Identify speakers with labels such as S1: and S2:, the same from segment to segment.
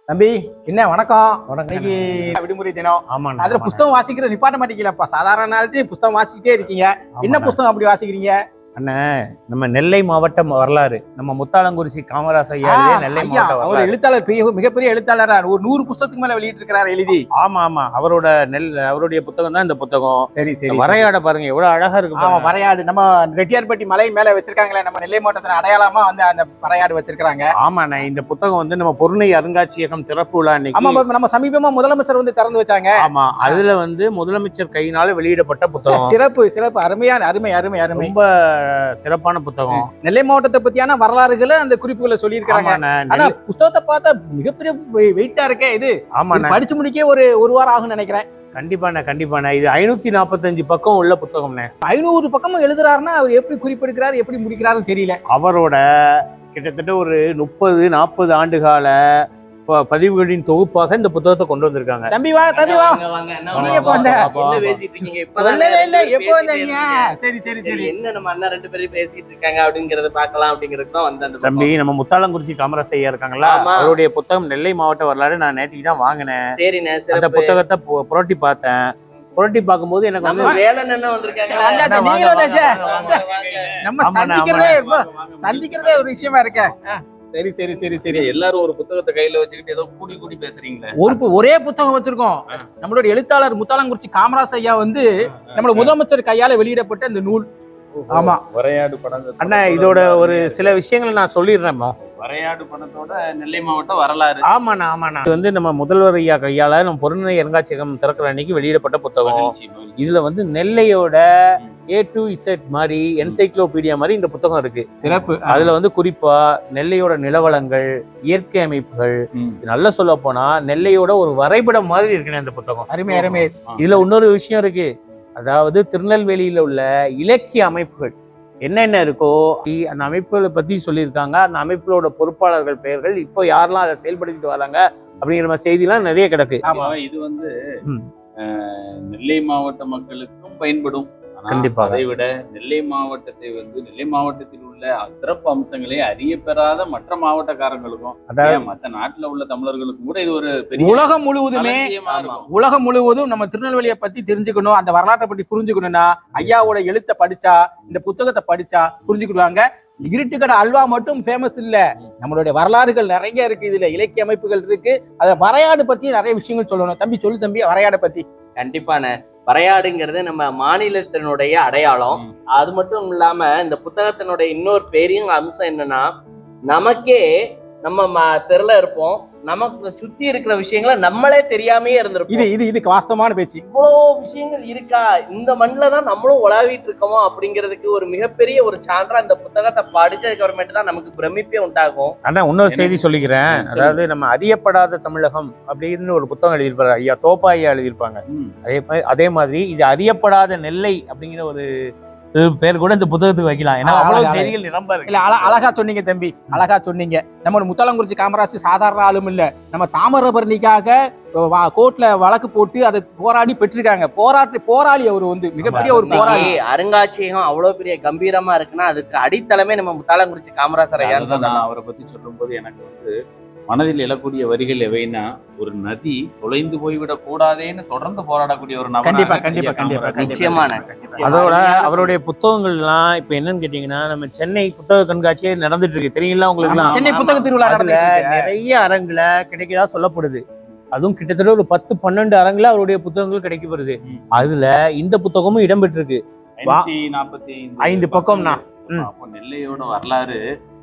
S1: தம்பி என்ன வணக்கம்.
S2: வணக்கம்.
S1: இன்னைக்கு விடுமுறை தினம்.
S2: ஆமாண்ணா.
S1: அதுல புஸ்தகம் வாசிக்கிறது நிப்பாட்ட மாட்டேங்கலப்பா. சாதாரண நாள்லயே புஸ்தகம் வாசிக்கிட்டே இருக்கீங்க. என்ன புஸ்தகம் அப்படி வாசிக்கிறீங்க?
S2: அண்ணா, நம்ம நெல்லை மாவட்டம் வரலாறு, நம்ம முத்தாலங்குறிச்சி காமராச ஐயா நெல்லை மாவட்ட
S1: அவர்
S2: வரலாறு.
S1: எழுத்தாளர், மிகப்பெரிய எழுத்தாளரா ஒரு 100 புஸ்தகத்துக்கு மேல வெளியிட்டு இருக்கிறார் எழுதி.
S2: ஆமா ஆமா, அவருடைய புத்தகம் தான் இந்த புத்தகம்.
S1: சரி சரி.
S2: வரையாட பாருங்க எவ்வளவு அழகா இருக்கு.
S1: ஆமா, வரையாடு நம்ம ரெட்டியார்பட்டி மலை மேல வச்சிருக்காங்களே, நம்ம நெல்லை மாவட்டத்தின் அடையாளமா வந்து அந்த வரையாடு வச்சிருக்காங்க.
S2: ஆமாண்ணா, இந்த புத்தகம் வந்து நம்ம பொருணை அருங்காட்சியகம் திறப்பு விழா
S1: ஆமா, நம்ம சமீபமா முதலமைச்சர் வந்து திறந்து வச்சாங்க.
S2: ஆமா, அதுல வந்து முதலமைச்சர் கையினால வெளியிடப்பட்ட புத்தகம்.
S1: சிறப்பு சிறப்பு, அருமையான அருமை அருமை அருமை.
S2: ரொம்ப சிறப்பான புத்தகம்.
S1: நெல்லை மாவட்டத்தை பத்தியான வரலாறுகளை அந்த குறிப்புகளை சொல்லி இருக்காங்க. ஆனா புத்தகத்தை பார்த்தா மிகப்பெரிய வெயிட்டா இருக்கே இது.
S2: ஆமா,
S1: படிச்சு முடிக்க ஒரு வாரம் ஆகும் நினைக்கிறேன்.
S2: கண்டிப்பாண்ணா இது 545 பக்கம் உள்ள புத்தகம்ண்ணே.
S1: 500 பக்கமும் எழுதுறாருன்னா அவர் எப்படி குறிப்பெடுக்கிறாரு, எப்படி முடிக்கிறாருன்னு தெரியல.
S2: அவரோட கிட்டத்தட்ட ஒரு 30-40 ஆண்டுகால பதிவுகளின் தொகுப்பாக இந்த புத்தகத்தை கொண்டு வந்திருக்காங்க.
S1: தம்பி வா.
S3: என்ன பேசிட்டு இருக்கீங்க?
S1: சொல்லவே இல்ல, எப்போ வந்தீங்க? சரி சரி சரி.
S3: என்ன நம்ம அண்ணா 2 பேரும் பேசிட்டு இருக்காங்க அப்படிங்கறத பார்க்கலாம் அப்படிங்கிறது தான் வந்த அந்த
S2: தம்பி. நம்ம முத்தாலங்குறிச்சி காமராச ஐயா இருக்காங்களா, அவருடைய புத்தகம் நெல்லை மாவட்ட வரலாறு நான் நேற்றுக்கு தான் வாங்கினேன்.
S3: சரிண்ணே,
S2: அந்த புத்தகத்தை புரட்டி பார்த்தேன். புரட்டி பார்க்கும்போது எனக்கு வந்து
S3: வேலன் என்ன வந்திருக்காங்க.
S1: நம்ம சந்திக்கிறதே ஒரு விஷயமா இருக்க. சரி சரி சரி சரி.
S3: எல்லாரும் ஒரு புத்தகத்தை கையில வச்சுக்கிட்டு ஏதோ கூடி பேசுறீங்களே.
S1: ஒரே புத்தகம் வச்சிருக்கோம். நம்மளோட எழுத்தாளர் முத்தாலங்குறிச்சி காமராஜ் ஐயா வந்து நம்மளோட முதலமைச்சர் கையால வெளியிடப்பட்ட இந்த நூல். ஆமா,
S3: வரையாடு படம்.
S2: அண்ணா, இதோட ஒரு சில விஷயங்களை நான் சொல்லிடுறேன்.
S3: வரையாடு படத்தோட நெல்லை மாவட்டம் வரலாறு.
S2: ஆமாண்ணா, இது வந்து நம்ம முதல்வர் ஐயா கையால நம்ம பொருணை அருங்காட்சியகம் திறக்கிற அன்னைக்கு வெளியிடப்பட்ட புத்தகம். இதுல வந்து நெல்லையோட A to Z மாதிரி என்சைக்ளோபீடியா மாதிரி இந்த புத்தகம் இருக்கு.
S1: சிறப்பு.
S2: அதுல வந்து குறிப்பா நெல்லையோட நிலவளங்கள், இயற்கை அமைப்புகள், நல்லா சொல்ல போனா நெல்லையோட ஒரு வரைபடம் மாதிரி இருக்குன்னு இந்த புத்தகம்.
S1: அருமை அருமை.
S2: இதுல இன்னொரு விஷயம் இருக்கு. அதாவது திருநெல்வேலியில உள்ள இலக்கிய அமைப்புகள் என்னென்ன இருக்கோ அந்த அமைப்புகளை பத்தி சொல்லியிருக்காங்க. அந்த அமைப்புகளோட பொறுப்பாளர்கள் பெயர்கள், இப்போ யாரெல்லாம் அதை செயல்படுத்திட்டு வராங்க அப்படிங்கிற மாதிரி செய்திலாம் நிறைய கிடக்கு.
S3: இது வந்து நெல்லை மாவட்ட மக்களுக்கும் பயன்படும்.
S2: கண்டிப்பாக.
S3: அதை விட நெல்லை மாவட்டத்தை வந்து நெல்லை மாவட்டத்தில் உள்ள சிறப்பு அம்சங்களை அறிய பெறாத மற்ற மாவட்டக்காரங்களுக்கும், அதாவது மற்ற நாட்டுல உள்ள தமிழர்களுக்கும் கூட இது ஒரு பெரிய
S1: உலகம் முழுவதும் நம்ம திருநெல்வேலியை பத்தி தெரிஞ்சுக்கணும், அந்த வரலாற்றை பத்தி புரிஞ்சுக்கணும்னா ஐயாவோட எழுத்தை படிச்சா, இந்த புத்தகத்தை படிச்சா புரிஞ்சுக்கிடுவாங்க. இருட்டுக்கடை அல்வா மட்டும் ஃபேமஸ் இல்ல, நம்மளுடைய வரலாறுகள் நிறைய இருக்கு. இதுல இலக்கிய அமைப்புகள் இருக்கு. அதுல வரையாடு பத்தி நிறைய விஷயங்கள் சொல்லணும். தம்பி சொல்லு தம்பி, வரையாடை பத்தி.
S3: கண்டிப்பான. வரையாடுங்கிறது நம்ம மாநிலத்தினுடைய அடையாளம். அது மட்டும் இல்லாம இந்த புத்தகத்தினுடைய இன்னொரு பெரிய அம்சம் என்னன்னா, நமக்கே நம்ம தெருல இருப்போம், நமக்கு சுத்தி இருக்கிற விஷயங்களை நம்மளே தெரியாமயே இருந்திருப்போம்.
S1: இதுக்கு வாஸ்தவமான பேச்சு.
S3: இவ்வளோ விஷயங்கள் இருக்கா, இந்த மண்ணில் தான் நம்மளும் உலாவிட்டு இருக்கோமோ அப்படிங்கிறதுக்கு ஒரு மிகப்பெரிய ஒரு சான்றா இந்த புத்தகத்தை படிச்சதுக்கு அப்புறமேட்டு தான் நமக்கு பிரமிப்பே உண்டாகும்.
S2: ஆனா இன்னொரு செய்தி சொல்லிக்கிறேன். அதாவது நம்ம அறியப்படாத தமிழகம் அப்படின்னு ஒரு புத்தகம் எழுதியிருப்பாரு ஐயா, தோப்பா ஐயா எழுதியிருப்பாங்க. அதே மாதிரி இது அறியப்படாத நெல்லை அப்படிங்கிற ஒரு பேர் கூட இந்த புத்தகத்துக்கு வைக்கலாம். ஏன்னா அவ்வளவு செய்திகள் நிரம்ப இருக்கு.
S1: இல்ல, அழகா சொன்னீங்க தம்பி, அழகா சொன்னீங்க. நம்ம முத்தாலங்குறிச்சி காமராஜ் சாதாரண ஆளும் இல்ல, நம்ம தாமிரபரணிக்காக கோர்ட்ல வழக்கு போட்டு அதை போராடி பெற்றிருக்காங்க. போராளி அவர் வந்து மிகப்பெரிய ஒரு போராளி.
S3: அருங்காட்சியகம் அவ்வளவு பெரிய கம்பீரமா இருக்குன்னா அதுக்கு அடித்தளமே நம்ம முத்தாலங்குறிச்சி காமராஜர் ஐயா.
S4: அவரை பத்தி சொல்லும் போது எனக்கு வந்து மனதில் எழக்கூடிய வரிகள் எவைன்னா, ஒரு நதி தொலைந்து போய்விடக் கூடாதேன்னு தொடர்ந்து போராடக்கூடிய ஒரு நபர்.
S1: கண்டிப்பா.
S3: நிச்சயமான.
S2: அதோட அவருடைய புத்தகங்கள்லாம் இப்ப என்னன்னு கேட்டீங்கன்னா, நம்ம சென்னை புத்தக கண்காட்சியே நடந்துட்டு இருக்கு, தெரியுங்களா உங்களுக்கு?
S1: சென்னை புத்தக திருவிழா
S2: நிறைய அரங்குல கிடைக்கதா சொல்லப்படுது. அதுவும் கிட்டத்தட்ட ஒரு 10-12 அரங்குல அவருடைய புத்தகங்கள் கிடைக்கப்படுது. அதுல இந்த புத்தகமும் இடம்பெற்றிருக்கு. 545 பக்கம்னா.
S4: நெல்லையோட வரலாறு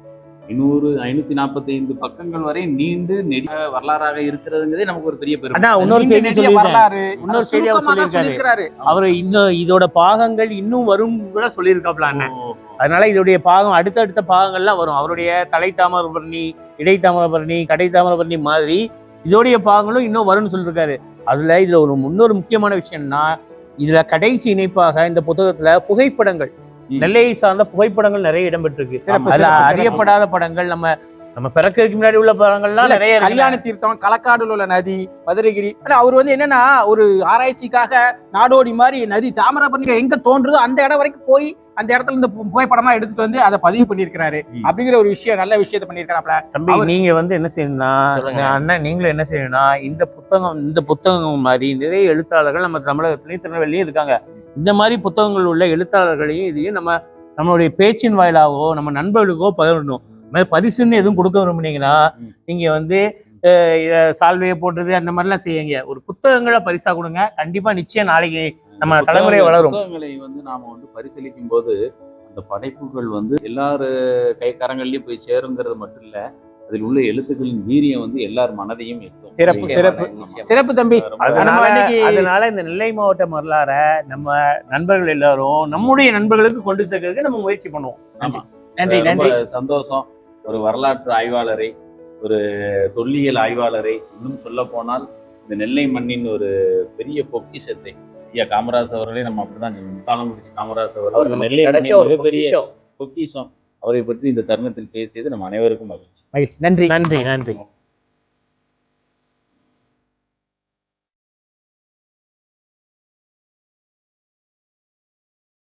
S4: 545 பக்கங்கள் வரை நீண்டு நெடிய வரலாறாக இருக்கிறதுங்கிறதே நமக்கு ஒரு பெரிய பெருமை.
S2: இன்னொரு செய்தி சொல்லியிருக்காரு அவரு. இன்னும் இதோட பாகங்கள் இன்னும் வரும் கூட சொல்லியிருக்காப்ல அண்ணன். அதனால இதோடைய பாகம் அடுத்தடுத்த பாகங்கள்லாம் வரும். அவருடைய தலை தாமிரபரணி, இடை தாமிரபரணி, கடை தாமிரபரணி மாதிரி இதோடைய பாகங்களும் இன்னும் வரும்னு சொல்லியிருக்காரு. இதுல ஒரு இன்னொரு முக்கியமான விஷயம்னா, இதுல கடைசி இணைப்பாக இந்த புத்தகத்துல புகைப்படங்கள், நெல்லையை சார்ந்த புகைப்படங்கள் நிறைய இடம்பெற்றிருக்கு. அறியப்படாத படங்கள், நம்ம பிறக்கிறதுக்கு முன்னாடி உள்ள படங்கள்லாம் நிறைய.
S1: கல்யாண தீர்த்தம், களக்காடுல உள்ள நதி, மதுரைகிரி. அவர் வந்து என்னன்னா ஒரு ஆராய்ச்சிக்காக நாடோடி மாதிரி நதி தாமிரபரணி எங்க தோன்றுதோ அந்த இடம் வரைக்கும் போய் அந்த இடத்துல இந்த புகைப்படமா எடுத்துட்டு வந்து அதை பதிவு பண்ணியிருக்கிறாரு அப்படிங்கிற ஒரு விஷயம், நல்ல விஷயத்த பண்ணியிருக்கிறாப்ல.
S2: தம்பி நீங்க வந்து என்ன செய்யணும்னா, அண்ணன் நீங்களும் என்ன செய்யணும்னா, இந்த புத்தகம் மாதிரி நிறைய எழுத்தாளர்கள் நம்ம தமிழகத்திலயும் திருநெல்வேலியும் இருக்காங்க. இந்த மாதிரி புத்தகங்கள் உள்ள எழுத்தாளர்களையும் இதையும் நம்மளுடைய பேச்சின் வாயிலாகவோ நம்ம நண்பர்களுக்கோ பகிரணும். பரிசுன்னு எதுவும் கொடுக்க விரும்புனீங்கன்னா நீங்க வந்து சால்வையை போடுறது அந்த மாதிரிலாம் செய்யுங்க. ஒரு புத்தகங்களை பரிசா கொடுங்க. கண்டிப்பா நிச்சயம் நாளைக்கு நம்ம தலைமுறை வளரும்.
S4: புத்தகங்களை வந்து நாம வந்து பரிசீலிக்கும் போது அந்த படைப்புகள் வந்து எல்லாரு கைக்கரங்கள்லயும் போய் சேருங்கிறது மட்டும் இல்ல, அதில் உள்ள எழுத்துக்களின் வீரியம் வந்து எல்லார் மனதையும் எட்டும்.
S1: சிறப்பு சிறப்பு சிறப்பு தம்பி.
S2: அதனால இந்த நெல்லை மாவட்ட வரலாறை நம்ம நண்பர்கள் எல்லாரும் நம்முடைய நண்பர்களுக்கு கொண்டு சேர்க்கறதுக்கு நம்ம முயற்சி பண்ணுவோம்.
S1: நன்றி நன்றி.
S4: சந்தோஷம். ஒரு வரலாற்று ஆய்வாளரை, ஒரு தொல்லியல் ஆய்வாளரை, இன்னும் சொல்ல போனால் இந்த நெல்லை மண்ணின் ஒரு பெரிய பொக்கிஷத்தை ஐயா காமராஜ் அவர்களே நம்ம அப்படிதான் காலம் முடிச்சு காமராஜ் அவர்கள் நெல்லை மிகப்பெரிய பொக்கிஷம். அவரை பற்றி இந்த தருணத்தில் பேசியது நம்ம அனைவருக்கும் மகிழ்ச்சி.
S1: நன்றி
S2: நன்றி நன்றி.